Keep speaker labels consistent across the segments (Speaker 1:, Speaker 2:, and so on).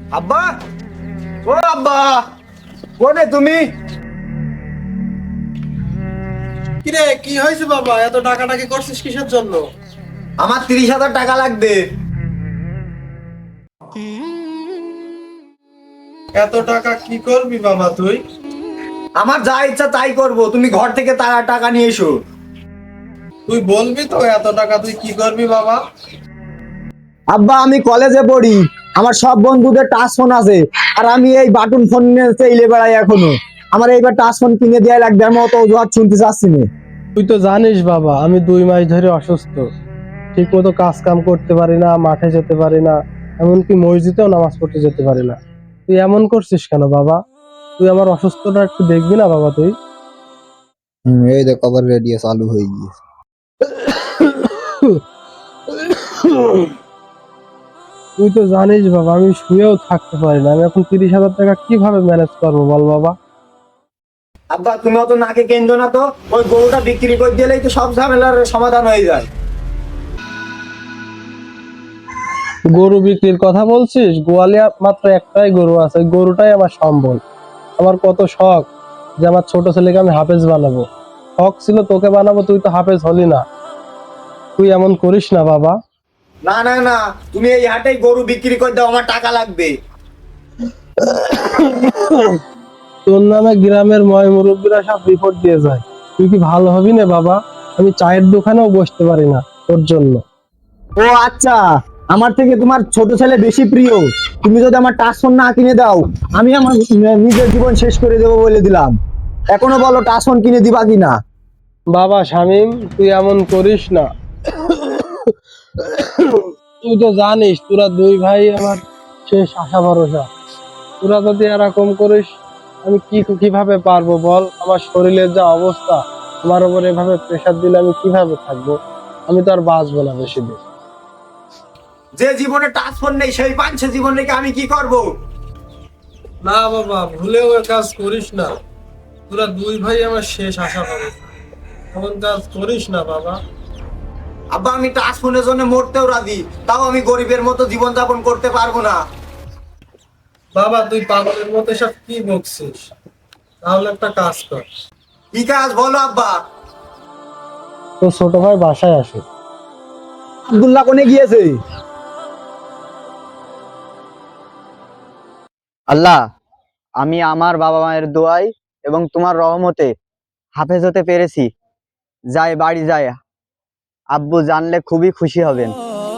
Speaker 1: আব্বা, ও আব্বা, কোনে তুমি?
Speaker 2: কিরে, কি হয়েছে বাবা? এত টাকাটাকি করছিস কিসের জন্য?
Speaker 1: আমার 30,000 টাকা লাগবে।
Speaker 2: এত টাকা কি করবি বাবা তুই?
Speaker 1: আমার যা ইচ্ছা তাই করব, তুমি ঘর থেকে টাকা নিয়ে এসো।
Speaker 2: তুই বলবি তো এত টাকা তুই কি করবি বাবা?
Speaker 1: আব্বা, আমি কলেজে পড়ি, আমার সব বন্ধুদের টাচ ফোন আছে, আর আমি এই বাটন ফোন নিয়ে চাইলে বেড়াই এখনো। আমার এইবার টাচ ফোন কিনে দেওয়া লাগবে, আমি অত অজুহাত শুনতে চাচ্ছি না।
Speaker 3: তুই তো জানিস বাবা, আমি 2 মাস ধরে অসুস্থ। ঠিক মতো কাজ কাম করতে পারি না, মাঠে যেতে পারি না, এমনকি মসজিদেও নামাজ পড়তে যেতে পারি না। তুই এমন করছিস কেন বাবা? তুই আমার অসুস্থতা একটু দেখবি না বাবা তুই?
Speaker 1: এই দেখ আবার রেডিও চালু হয়ে গিয়েছে।
Speaker 3: তুই তো জানিস বাবা, আমি শুয়েও থাকতে পারি না। আমি এখন 30,000 টাকা কিভাবে ম্যানেজ করবো বল বাবা?
Speaker 1: আব্বা, তুমি অত নাকে কেন্দ্র না তো, ওই গরুটা বিক্রি করে দিলেই তো সব ঝামেলার সমাধান হয়ে যায়।
Speaker 3: গরু বিক্রির কথা বলছিস? গোয়ালে মাত্র একটাই গরু আছে, ওই গরুটাই আমার সম্বল। আমার কত শখ যে আমার ছোট ছেলেকে আমি হাফেজ বানাবো। শখ ছিল তোকে বানাবো, তুই তো হাফেজ হলি না। তুই এমন করিস না বাবা।
Speaker 1: না না না, তুমি এই হাটেই গরু বিক্রি করে দাও, আমার টাকা লাগবে।
Speaker 3: তোর নামে গ্রামের ময় মুরব্বীরা সব রিপোর্ট দিয়ে যায়। তুই কি ভালো হবি না বাবা? আমি চায়ের দোকানেও বসতে পারি না তোর জন্য।
Speaker 1: ও আচ্ছা, আমার থেকে তোমার ছোট ছেলে বেশি প্রিয়। তুমি যদি আমার টাচ ফোন না কিনে দাও, আমি আমার নিজের জীবন শেষ করে দেবো বলে দিলাম। এখনো বলো টাচ ফোন কিনে দিবা কিনা?
Speaker 3: বাবা শামীম, তুই এমন করিস না। তুই তো জানিস তোরা 2 ভাই আমার শেষ আশা ভরসা। তোরা যদি এরকম করিস, আমি কিভাবে পারবো বল? আমার শরীরের যা অবস্থা, আমার উপর এভাবে প্রেসার দিলে আমি কিভাবে থাকবো? আমি তো আর বাঁচবো না বেশি দিন।
Speaker 1: যে জীবনে টাচ ফোন নেই সেই পাঁচছে জীবন রেখে আমি কি করব?
Speaker 2: না বাবা, ভুলেও এ কাজ করিস না। তোরা 2 ভাই আমার শেষ আশা পাবে। এমন কাজ করিস না বাবা।
Speaker 1: আব্বা, আমি টাচ ফোনের জন্য মরতেও রাজি, তাও আমি গরিবের মতো জীবন যাপন করতে পারবো না।
Speaker 2: বাবা, তুই পাগলের মতো সব কি বকছিস? তাহলে একটা কাজ কর।
Speaker 1: কি কাজ বলো আব্বা?
Speaker 3: তো ছোট ভাই বাসায় আসে।
Speaker 1: আব্দুল্লাহ কোনে গিয়েছে? আল্লাহ, আমি আমার বাবা মায়ের দোয়ায় এবং তোমার রহমতে হাফেজ হতে পেরেছি। যাই বাড়ি যায়, আব্বু জানলে খুবই খুশি হবেন।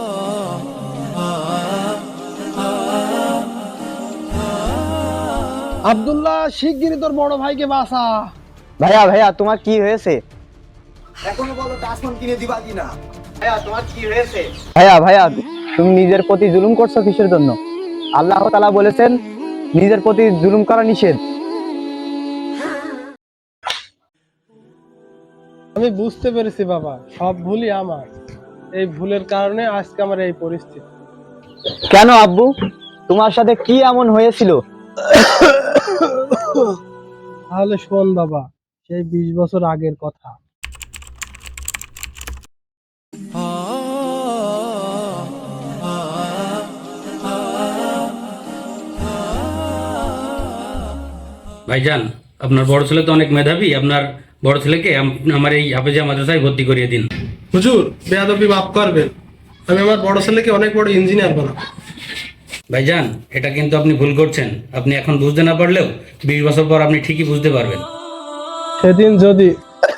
Speaker 3: আব্দুল্লাহ, শিগগিরই তোর বড় ভাইকে বাঁচা।
Speaker 1: ভাইয়া ভাইয়া, তোমার কি হয়েছে? এখনো বলো টাচ ফোন কিনে দিবা কিনা? ভাইয়া, তোমার কি হয়েছে? ভাইয়া ভাইয়া, তুমি নিজের প্রতি জুলুম করছো কিসের জন্য? আল্লাহ তাআলা বলেছেন নিজের প্রতি জুলুম করা নিষেধ।
Speaker 3: আমি বুঝতে পেরেছি বাবা, সব ভুলই আমার। এই ভুলের কারণে আজকে আমার এই পরিস্থিতি।
Speaker 1: কেন আব্বু, তোমার সাথে কি এমন হয়েছিল?
Speaker 3: তাহলে শোন বাবা, সেই 20 বছর আগের কথা।
Speaker 4: ভাইজান, আপনার বড় ছেলে তো অনেক মেধাবী। আপনার বড় ছেলেকে আমার এই হাফেজা মাদ্রাসায় ভর্তি করিয়ে দিন।
Speaker 2: হুজুর, বেয়াদবি মাফ করবেন। আমি আমার বড় ছেলেকে অনেক বড় ইঞ্জিনিয়ার বানাবো।
Speaker 4: ভাইজান, এটা কিন্তু আপনি ভুল করছেন। আপনি এখন বুঝতে না পারলেও 20 বছর পর আপনি ঠিকই বুঝতে পারবেন।
Speaker 3: সেদিন যদি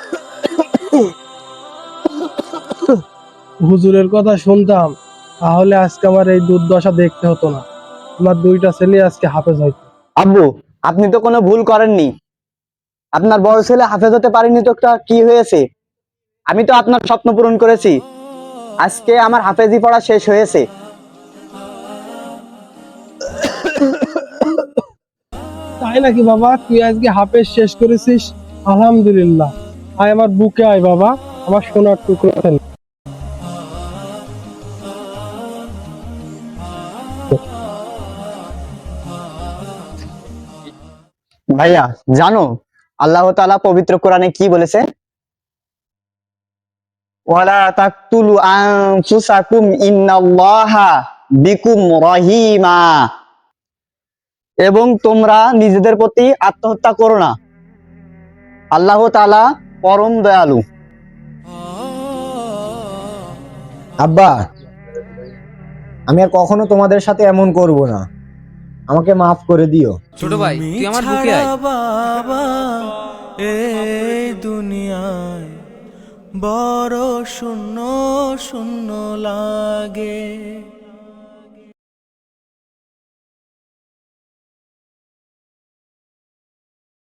Speaker 3: হুজুরের কথা শুনতাম, তাহলে আজকে আমার এই দুর্দশা দেখতে হতো না। আমার 2টা ছেলে আজকে হাফেজ হইতো।
Speaker 1: আব্বু, আপনি তো কোনো ভুল করেননি। আপনার বড় ছেলে হাফেজ হতে পারেনি তো একটা কি হয়েছে? আমি তো আপনার স্বপ্ন পূরণ করেছি। আজকে আমার হাফেজি পড়া শেষ হয়েছে।
Speaker 3: তাই নাকি বাবা? তুই আজকে হাফেজ শেষ করেছিস? আলহামদুলিল্লাহ। আয় আমার বুকে আয় বাবা, আমার সোনার টুকরো ছেলে।
Speaker 1: ভাইয়া, জানো আল্লাহ তাআলা পবিত্র কোরআনে কি বলেছে? ওয়ালা তাকতুলু আনফুসাকুম ইন্নাল্লাহা বিকুম রহিমা। এবং তোমরা নিজেদের প্রতি আত্মহত্যা করো না। আল্লাহ তাআলা পরম দয়ালু।
Speaker 5: আব্বা, আমি আর কখনো তোমাদের সাথে এমন করব না, আমাকে মাফ করে দিও।
Speaker 6: ছোট ভাই তুই আমার বুকে আয়।
Speaker 7: বাবা এই দুনিয়ায় বড় শূন্য শূন্য লাগে।